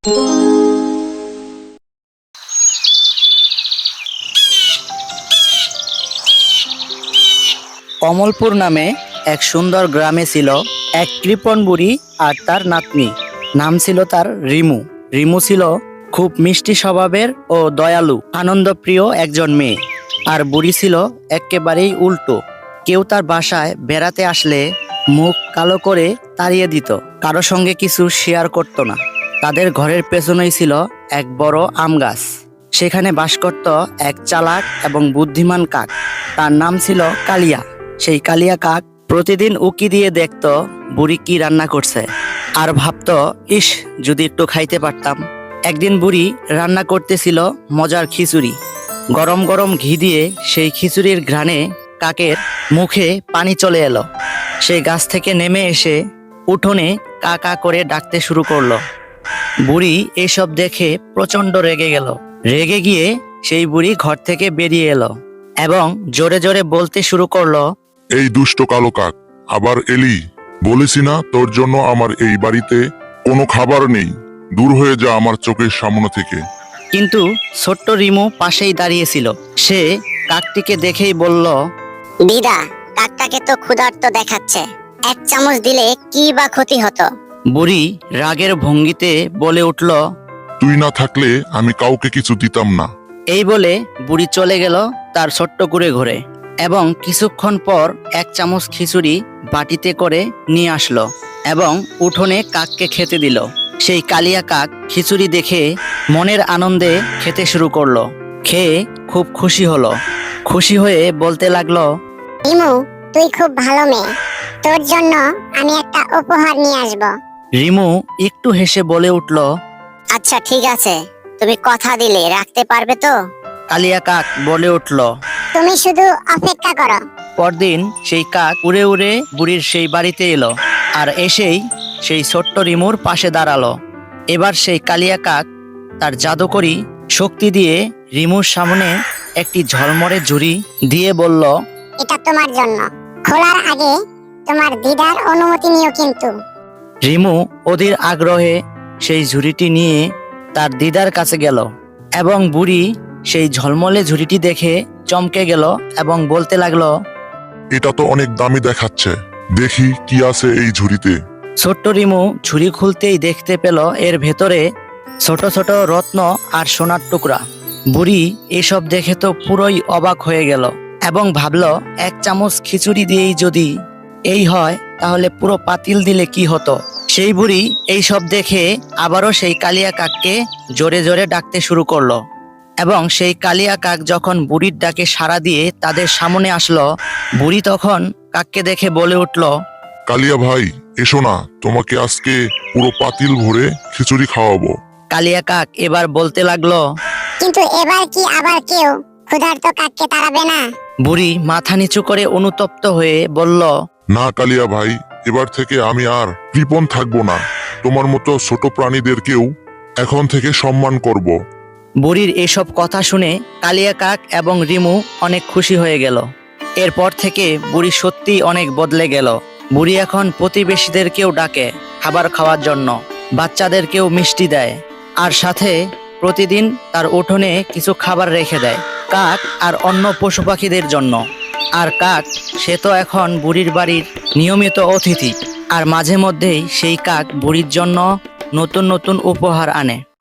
কমলপুর নামে এক সুন্দর গ্রামে ছিল এক কৃপণ বুড়ি আর তার নাতনি। নাম ছিল তার রিমু। রিমু ছিল খুব মিষ্টি স্বভাবের ও দয়ালু, আনন্দপ্রিয় একজন মেয়ে। আর বুড়ি ছিল একেবারেই উল্টো। কেউ তার বাসায় বেড়াতে আসলে মুখ কালো করে তাড়িয়ে দিত, কারো সঙ্গে কিছু শেয়ার করত না। তাদের ঘরের পেছনেই ছিল এক বড় আম গাছ। সেখানে বাস করত এক চালাক এবং বুদ্ধিমান কাক। তার নাম ছিল কালিয়া। সেই কালিয়া কাক প্রতিদিন উকি দিয়ে দেখত বুড়ি কি রান্না করছে, আর ভাবত, ইস, যদি একটু খাইতে পারতাম। একদিন বুড়ি রান্না করতেছিল মজার খিচুড়ি। গরম গরম ঘি দিয়ে সেই খিচুড়ির ঘ্রাণে কাকের মুখে পানি চলে এলো। সেই গাছ থেকে নেমে এসে উঠোনে কা কা করে ডাকতে শুরু করলো। বুড়ি এসব দেখে প্রচন্ড রেগে গেল। রেগে গিয়ে সেই বুড়ি ঘর থেকে বেরিয়ে এলো এবং জোরে জোরে বলতে শুরু করলো, এই দুষ্ট কালো কাক, আবার এলি? বলেছি না তোর জন্য আমার এই বাড়িতে কোনো খাবার নেই, দূর হয়ে যা আমার চোখের সামনে থেকে। কিন্তু ছোট্ট রিমু পাশেই দাঁড়িয়েছিল। সে কাকটিকে দেখেই বলল, দিদা, কাকটাকে তো ক্ষুধার্ত দেখাচ্ছে, এক চামচ দিলে কি বা ক্ষতি হতো? বুড়ি রাগের ভঙ্গিতে বলে উঠল, তুই না থাকলে আমি কাউকে কিছু দিতাম না। এই বলে বুড়ি চলে গেল তার ছোট্ট কুঁড়ে ঘরে এবং কিছুক্ষণ পর এক চামচ খিচুড়ি বাটিতে করে নিয়ে আসলো এবং উঠোনে কাককে খেতে দিল। সেই কালিয়া কাক খিচুড়ি দেখে মনের আনন্দে খেতে শুরু করলো। খেয়ে খুব খুশি হলো। খুশি হয়ে বলতে লাগলো, রিমু, তুই খুব ভালো মেয়ে, তোর জন্য আমি একটা উপহার নিয়ে আসব। রিমু একটু হেসে বলে উঠল, আচ্ছা ঠিক আছে, তুমি কথা দিলে রাখতে পারবে তো? কালিয়া কাক বলে উঠল। তুমি শুধু অপেক্ষা করো। পরদিন সেই কাক উড়ে উড়ে বুড়ির সেই বাড়িতে এলো আর এসেই সেই ছোট্ট রিমুর পাশে দাঁড়ালো। এবার সেই কালিয়া কাক তার জাদুকরি শক্তি দিয়ে রিমুর সামনে একটি ঝলমরে ঝুড়ি দিয়ে বলল, এটা তোমার জন্য, খোলার আগে তোমার দিদার অনুমতি নিও কিন্তু। রিমু অধীর আগ্রহে সেই ঝুড়িটি নিয়ে তার দিদার কাছে গেল এবং বুড়ি সেই ঝলমলে ঝুড়িটি দেখে চমকে গেল এবং বলতে লাগলো, এটা তো অনেক দামি দেখাচ্ছে, দেখি কি আছে এই ঝুড়িতে। ছোট্ট রিমু ঝুড়ি খুলতেই দেখতে পেল এর ভেতরে ছোট ছোট রত্ন আর সোনার টুকরা। বুড়ি এসব দেখে তো পুরোই অবাক হয়ে গেল এবং ভাবল, এক চামচ খিচুড়ি দিয়েই যদি এই হয়, তাহলে পুরো পাতিল দিলে কি হতো। সেই বুড়ি এইসব দেখে আবারও সেই কালিয়া কাককে জোরে জোরে ডাকতে শুরু করলো এবং সেই কালিয়া কাক যখন বুড়ির ডাকে সাড়া দিয়ে তাদের সামনে আসলো, বুড়ি তখন কাককে দেখে বলে উঠল, কালিয়া ভাই, এসো না, তোমাকে আজকে পুরো পাতিল ভরে খিচুড়ি খাওয়াবো। কালিয়া কাক এবার বলতে লাগলো। কিন্তু এবার কি আবার কেউ ক্ষুধার্ত কাককে তাড়াবে না? বুড়ি মাথা নিচু করে অনুতপ্ত হয়ে বলল, না কালিয়া ভাই, এবার থেকে আমি আর কৃপণ থাকবো না, তোমার মতো ছোট প্রাণীদেরকেও এখন থেকে সম্মান করব। বুড়ির এসব কথা শুনে কালিয়া কাক এবং রিমু অনেক খুশি হয়ে গেল। এরপর থেকে বুড়ি সত্যিই অনেক বদলে গেল। বুড়ি এখন প্রতিবেশীদেরকেও ডাকে খাবার খাওয়ার জন্য, বাচ্চাদেরকেও মিষ্টি দেয়, আর সাথে প্রতিদিন তার উঠোনে কিছু খাবার রেখে দেয় কাক আর অন্য পশু পাখিদের জন্য। আর কাক, সে তো এখন বুড়ির বাড়ির নিয়মিত অতিথি, আর মাঝে মধ্যেই সেই কাক বুড়ির জন্য নতুন নতুন উপহার আনে।